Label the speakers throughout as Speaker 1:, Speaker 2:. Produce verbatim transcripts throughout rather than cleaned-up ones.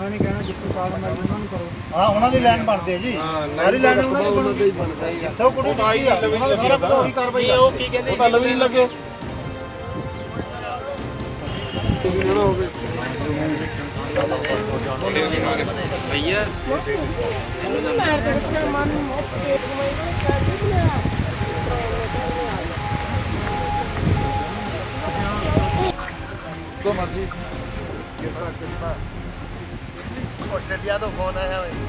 Speaker 1: ਮੈਂ ਨਹੀਂ ਕਹਿਣਾ ਜਿੱਥੇ ਕਾਲ ਮੈਂ ਉਹਨਾਂ ਨੂੰ ਕਰੋ।
Speaker 2: ਹਾਂ ਉਹਨਾਂ ਦੀ ਲਾਈਨ ਬਣਦੀ ਹੈ ਜੀ। ਸਾਰੀ ਲਾਈਨ ਉਹਨਾਂ ਦੀ ਹੀ ਬਣਦੀ ਹੈ। ਇੱਥੋਂ ਕੁੜੀ ਦਿੱਤੀ ਆ ਉਹਨਾਂ ਦਾ ਸਾਰਾ ਉਹੀ ਕਾਰਵਾਈ ਉਹ ਕੀ ਕਹਿੰਦੇ
Speaker 1: ਉਹ ਗੱਲ ਵੀ ਨਹੀਂ ਲੱਗੇ ਜਿਹੜਾ ਹੋਵੇ
Speaker 3: ਭਈਆ
Speaker 1: तो मर्जी
Speaker 2: ਆਸਟ੍ਰੇਲੀਆ ਤੋਂ ਫੋਨ ਆਇਆ ਹੋਇਆ।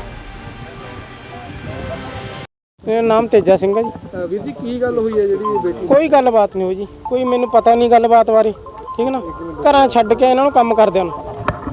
Speaker 4: ਮੇਰਾ ਨਾਮ ਤੇਜਾ ਸਿੰਘ ਹੈ ਜੀ।
Speaker 1: ਵੀਰ ਜੀ ਕੀ ਗੱਲ ਹੋਈ ਹੈ ਜਿਹੜੀ ਬੇਟੀ
Speaker 4: ਕੋਈ ਗੱਲਬਾਤ ਨਹੀਂ ਹੋਈ ਜੀ, ਕੋਈ ਮੈਨੂੰ ਪਤਾ ਨਹੀਂ ਗੱਲਬਾਤ ਬਾਰੇ, ਠੀਕ ਨਾ। ਘਰਾਂ ਛੱਡ ਕੇ ਇਹਨਾਂ ਨੂੰ ਕੰਮ ਕਰਦਿਆਂ ਨੂੰ,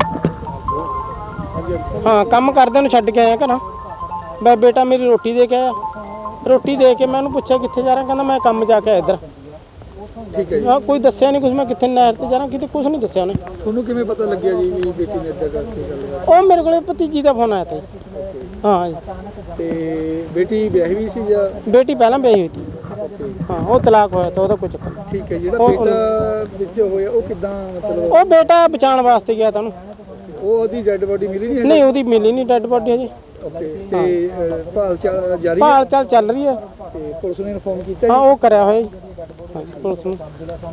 Speaker 4: ਹਾਂ ਕੰਮ ਕਰਦਿਆਂ ਨੂੰ ਛੱਡ ਕੇ ਆਇਆ ਘਰਾਂ। ਮੈਂ ਬੇਟਾ ਮੇਰੀ ਰੋਟੀ ਦੇ ਕੇ ਆਇਆ, ਰੋਟੀ ਦੇ ਕੇ ਮੈਂ ਉਹਨੂੰ ਪੁੱਛਿਆ ਕਿੱਥੇ ਜਾ ਰਿਹਾ, ਕਹਿੰਦਾ ਮੈਂ ਕੰਮ ਜਾ ਕੇ ਆਇਆ ਇੱਧਰ।
Speaker 1: ਠੀਕ ਹੈ ਜੀ,
Speaker 4: ਹਾਂ ਕੋਈ ਦੱਸਿਆ ਨਹੀਂ ਕੁਝ, ਮੈਂ ਕਿੱਥੇ ਨਹਿਰ ਤੇ ਜਾ ਰਿਹਾ ਕਿਤੇ ਕੁਝ ਨਹੀਂ ਦੱਸਿਆ ਉਹਨੇ।
Speaker 1: ਤੁਹਾਨੂੰ ਕਿਵੇਂ ਪਤਾ ਲੱਗਿਆ ਜੀ ਵੀ ਬੇਟੀ ਨੇ ਇੱਦਾਂ ਕਰਕੇ ਗੱਲ?
Speaker 4: ਉਹ ਮੇਰੇ ਕੋਲੇ ਭਤੀਜੀ ਦਾ ਫੋਨ ਆਇਆ ਤਾ ਜੀ। ਹਾਂ ਜੀ।
Speaker 1: ਤੇ ਬੇਟੀ ਵਿਆਹੀ ਵੀ ਸੀ ਜਾਂ?
Speaker 4: ਬੇਟੀ ਪਹਿਲਾਂ ਵਿਆਹੀ ਹੋਈ ਸੀ, ਹਾਂ ਉਹ ਤਲਾਕ ਹੋਇਆ ਤਾਂ ਉਹਦਾ ਕੋਈ ਚੱਕਰ ਨਹੀਂ।
Speaker 1: ਠੀਕ ਹੈ, ਜਿਹੜਾ ਬੇਟਾ ਵਿੱਚ ਹੋਇਆ ਉਹ ਕਿੱਦਾਂ ਮਤਲਬ
Speaker 4: ਉਹ ਬੇਟਾ ਬਚਾਉਣ ਵਾਸਤੇ ਗਿਆ ਤਾਂ ਉਹਨੂੰ,
Speaker 1: ਉਹ ਉਹਦੀ ਡੈੱਡ ਬੋਡੀ ਮਿਲੀ ਨਹੀਂ?
Speaker 4: ਨਹੀਂ ਉਹਦੀ ਮਿਲੀ ਨਹੀਂ ਡੈੱਡ ਬੋਡੀ ਹਜੇ।
Speaker 1: ਓਕੇ, ਤੇ ਅਹ, ਭਾਲ ਚਾਲ ਜਾਰੀ ਹੈ
Speaker 4: ਭਾਲ ਚਾਲ ਚੱਲ ਰਹੀ ਹੈ।
Speaker 1: ਤੇ ਪੁਲਿਸ ਨੇ ਇਨਫੋਰਮ ਕੀਤਾ
Speaker 4: ਹਾਂ
Speaker 1: ਜੀ?
Speaker 4: ਉਹ ਕਰਿਆ ਹੋਇਆ ਜੀ ਹਾਂਜੀ, ਪੁਲਿਸ ਨੂੰ।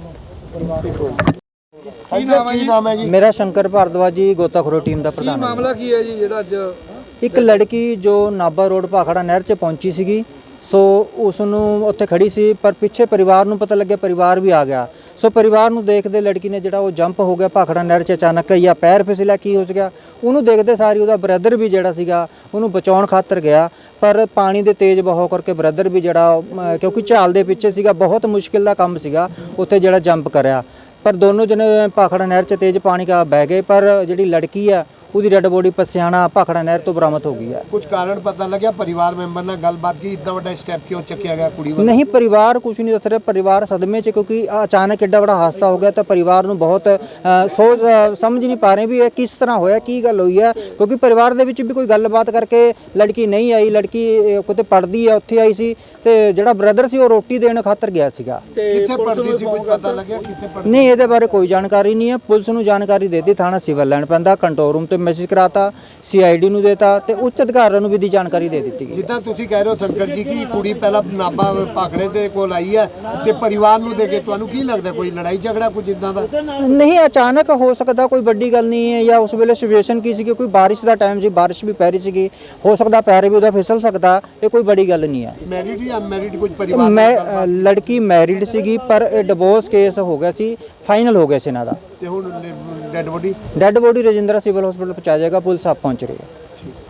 Speaker 2: ਕੀ ਨਾਮ ਹੈ ਜੀ? ਨਾਮ ਹੈ ਜੀ
Speaker 5: ਮੇਰਾ ਸ਼ੰਕਰ ਭਾਰਦਵਾਜ ਜੀ, ਗੋਤਾਖੋਰੀ ਟੀਮ ਦਾ
Speaker 1: ਕੀ
Speaker 5: ਪ੍ਰਧਾਨ ਹਾਂ।
Speaker 1: ਮਾਮਲਾ ਕੀ ਹੈ ਜੀ ਜਿਹੜਾ ਅੱਜ?
Speaker 5: ਇੱਕ ਲੜਕੀ ਜੋ ਨਾਭਾ ਰੋਡ ਭਾਖੜਾ ਨਹਿਰ 'ਚ ਪਹੁੰਚੀ ਸੀਗੀ, ਸੋ ਉਸ ਨੂੰ ਉੱਥੇ ਖੜੀ ਸੀ, ਪਰ ਪਿੱਛੇ ਪਰਿਵਾਰ ਨੂੰ ਪਤਾ ਲੱਗਿਆ, ਪਰਿਵਾਰ ਵੀ ਆ ਗਿਆ। ਸੋ ਪਰਿਵਾਰ ਨੂੰ ਦੇਖਦੇ ਲੜਕੀ ਨੇ ਜਿਹੜਾ ਉਹ ਜੰਪ ਹੋ ਗਿਆ ਭਾਖੜਾ ਨਹਿਰ 'ਚ ਅਚਾਨਕ, ਜਾਂ ਪੈਰ ਫਿਸਲਿਆ ਕੀ ਹੋ ਗਿਆ ਉਹਨੂੰ ਦੇਖਦੇ ਸਾਰੀ ਉਹਦਾ ਬ੍ਰਦਰ ਵੀ ਜਿਹੜਾ ਸੀਗਾ ਉਹਨੂੰ ਬਚਾਉਣ ਖਾਤਰ ਗਿਆ, ਪਰ ਪਾਣੀ ਦੇ ਤੇਜ਼ ਬਹਾਅ ਕਰਕੇ ਬ੍ਰਦਰ ਵੀ ਜਿਹੜਾ ਅਮ, ਕਿਉਂਕਿ ਝਾਲ ਦੇ ਪਿੱਛੇ ਸੀਗਾ, ਬਹੁਤ ਮੁਸ਼ਕਿਲ ਦਾ ਕੰਮ ਸੀਗਾ ਉੱਥੇ ਜਿਹੜਾ ਜੰਪ ਕਰਿਆ। ਪਰ ਦੋਨੋਂ ਜਣੇ ਭਾਖੜਾ ਨਹਿਰ 'ਚ ਤੇਜ਼ ਪਾਣੀ ਕਾ ਬਹਿ ਗਏ, ਪਰ ਜਿਹੜੀ ਲੜਕੀ ਆ ਉਹਦੀ ਡੈਡ ਬੋਡੀ ਪਸਿਆਣਾ ਭਾਖੜਾ ਨਹਿਰ ਤੋਂ ਬਰਾਮਦ ਹੋ ਗਈ ਹੈ।
Speaker 2: ਕੁਝ ਕਾਰਨ ਪਤਾ ਲੱਗਿਆ? ਪਰਿਵਾਰ ਮੈਂਬਰ ਨਾਲ ਗੱਲਬਾਤ ਕੀ ਇतना ਵੱਡਾ ਸਟੈਪ ਕਿਉਂ ਚੱਕਿਆ ਗਿਆ ਕੁੜੀ ਵੱਲ?
Speaker 5: ਨਹੀਂ, ਪਰਿਵਾਰ ਕੁਝ ਨਹੀਂ ਦੱਸ ਰਿਹਾ, ਪਰਿਵਾਰ ਸਦਮੇ 'ਚ, ਕਿਉਂਕਿ ਅਚਾਨਕ ਐਡਾ ਵੱਡਾ ਹਾਦਸਾ ਹੋ ਗਿਆ ਤਾਂ ਪਰਿਵਾਰ ਨੂੰ ਬਹੁਤ ਅ, ਸੋਚ ਅ, ਸਮਝ ਨਹੀਂ ਪਾ ਰਹੇ ਵੀ ਇਹ ਕਿਸ ਤਰ੍ਹਾਂ ਹੋਇਆ, ਕੀ ਗੱਲ ਹੋਈ ਹੈ, ਕਿਉਂਕਿ ਪਰਿਵਾਰ ਦੇ ਵਿੱਚ ਵੀ ਕੋਈ ਗੱਲਬਾਤ ਕਰਕੇ ਲੜਕੀ ਨਹੀਂ ਆਈ। ਲੜਕੀ ਅ, ਕਿਤੇ ਪੜ੍ਹਦੀ ਹੈ, ਉੱਥੇ ਆਈ ਸੀ, ਤੇ ਜਿਹੜਾ ਬ੍ਰਦਰ ਸੀ ਉਹ ਰੋਟੀ ਦੇਣ ਖਾਤਰ ਗਿਆ ਸੀਗਾ।
Speaker 2: ਕਿੱਥੇ ਪੜਦੀ ਸੀ? ਕੁਝ ਪਤਾ ਲੱਗਿਆ ਕਿੱਥੇ ਪੜਦੀ?
Speaker 5: ਨਹੀਂ, ਇਹਦੇ ਬਾਰੇ ਕੋਈ ਜਾਣਕਾਰੀ ਨਹੀਂ ਹੈ। ਪੁਲਿਸ ਨੂੰ ਜਾਣਕਾਰੀ ਦੇ ਦਿੱਤੀ, ਥਾਣਾ ਸਿਵਲ ਲੈਣ ਪੈਂਦਾ, ਕੰਟਰੋਲ ਰੂਮ ਤੇ ਮੈਸੇਜ ਕਰਾਤਾ, ਸੀਆਈਡੀ ਨੂੰ ਦੇਤਾ ਤੇ ਉੱਚ ਅਧਿਕਾਰੀਆਂ ਨੂੰ ਵੀ ਦੀ ਜਾਣਕਾਰੀ ਦੇ ਦਿੱਤੀ ਗਈ।
Speaker 2: ਜਿੱਦਾਂ ਤੁਸੀਂ ਕਹਿ ਰਹੇ ਹੋ ਸ਼ੰਕਰ ਜੀ ਕਿ ਕੁੜੀ ਪਹਿਲਾਂ ਨਾਭਾ ਭਾਖੜੇ ਦੇ ਕੋਲ ਆਈ ਹੈ ਤੇ ਪਰਿਵਾਰ ਨੂੰ ਦੇ ਕੇ, ਤੁਹਾਨੂੰ ਕੀ ਲੱਗਦਾ ਕੋਈ ਲੜਾਈ ਝਗੜਾ ਕੁਝ ਇਦਾਂ ਦਾ?
Speaker 5: ਨਹੀਂ, ਅਚਾਨਕ ਹੋ ਸਕਦਾ, ਕੋਈ ਵੱਡੀ ਗੱਲ ਨਹੀਂ ਹੈ। ਜਾਂ ਉਸ ਵੇਲੇ ਸਿਚੁਏਸ਼ਨ ਕੀ ਸੀ, ਕੋਈ ਬਾਰਿਸ਼ ਦਾ ਟਾਈਮ ਸੀ, ਬਾਰਿਸ਼ ਵੀ ਪੈ ਰਹੀ ਸੀਗੀ, ਹੋ ਸਕਦਾ ਪੈਰ ਵੀ ਉਹਦਾ ਫਿਸਲ ਸਕਦਾ, ਇਹ ਕੋਈ ਵੱਡੀ ਗੱਲ ਨਹੀਂ ਹੈ।
Speaker 2: ਮੈਰਿਡ ਜਾਂ ਅਨਮੈਰਿਡ ਕੁਝ ਪਰਿਵਾਰ?
Speaker 5: ਮੈਂ ਅ, ਲੜਕੀ ਮੈਰਿਡ ਸੀਗੀ, ਪਰ ਇਹ ਡਿਵੋਰਸ ਕੇਸ ਹੋ ਗਿਆ ਸੀ, ਫਾਈਨਲ ਹੋ ਗਿਆ ਸੀ ਇਹਨਾਂ ਦਾ।
Speaker 2: ਤੇ ਹੁਣ dead body?
Speaker 5: Dead body Rajindra civil hospital ਪਹੁੰਚਾਇਆ ਜਾਏਗਾ, ਪੁਲਿਸ ਆਪ ਪਹੁੰਚ ਰਹੀ ਹੈ।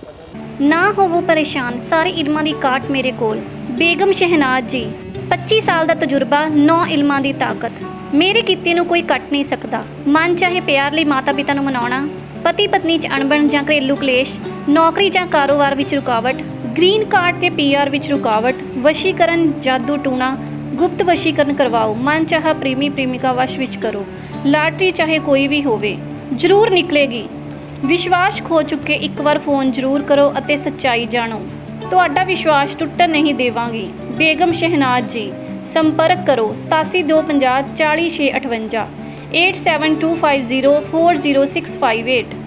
Speaker 6: ਨਾ ਹੋਵੋ ਪਰੇਸ਼ਾਨ, ਸਾਰੇ ਇਲਮਾਂ ਦੀ ਕਾਟ ਮੇਰੇ ਕੋਲ। ਬੇਗਮ ਸ਼ਹਿਨਾਜ਼ ਜੀ, ਪੱਚੀ ਸਾਲ ਦਾ ਤਜਰਬਾ, ਨੌ ਇਲਮਾਂ ਦੀ ਤਾਕਤ। ਮੇਰੇ ਕੀਤੇ ਨੂੰ ਕੋਈ ਕੱਟ ਨਹੀਂ ਸਕਦਾ। ਮਨ ਚਾਹੇ ਪਿਆਰ ਲਈ ਮਾਤਾ ਪਿਤਾ ਨੂੰ ਮਨਾਉਣਾ, ਪਤੀ ਪਤਨੀ 'ਚ ਅਣਬਣ ਜਾਂ ਘਰੇਲੂ ਕਲੇਸ਼, ਨੌਕਰੀ ਜਾਂ ਕਾਰੋਬਾਰ ਵਿੱਚ ਰੁਕਾਵਟ, ਗ੍ਰੀਨ ਕਾਰਡ ਤੇ ਪੀਆਰ ਵਿੱਚ ਰੁਕਾਵਟ, ਵਸ਼ੀਕਰਨ, ਜਾਦੂ ਟੂਣਾ, ਗੁਪਤ ਵਸ਼ੀਕਰਨ ਕਰਵਾਓ, ਮਨ ਚਾਹਾ ਪ੍ਰੇਮੀ ਪ੍ਰੇਮਿਕਾ ਵਸ਼ ਵਿੱਚ ਕਰੋ, ਲਾਟਰੀ ਚਾਹੇ ਕੋਈ ਵੀ ਹੋਵੇ ਜ਼ਰੂਰ ਨਿਕਲੇਗੀ। ਵਿਸ਼ਵਾਸ ਖੋ ਚੁੱਕੇ ਇੱਕ ਵਾਰ ਫੋਨ ਜ਼ਰੂਰ ਕਰੋ ਅਤੇ ਸੱਚਾਈ ਜਾਣੋ। ਤੁਹਾਡਾ ਵਿਸ਼ਵਾਸ ਟੁੱਟਣ ਨਹੀਂ ਦੇਵਾਂਗੀ। ਬੇਗਮ ਸ਼ਹਿਨਾਜ਼ ਜੀ, ਸੰਪਰਕ ਕਰੋ ਸਤਾਸੀ ਦੋ ਪੰਜਾਹ ਚਾਲੀ ਛੇ ਅਠਵੰਜਾ, eight seven two five zero four zero six five eight.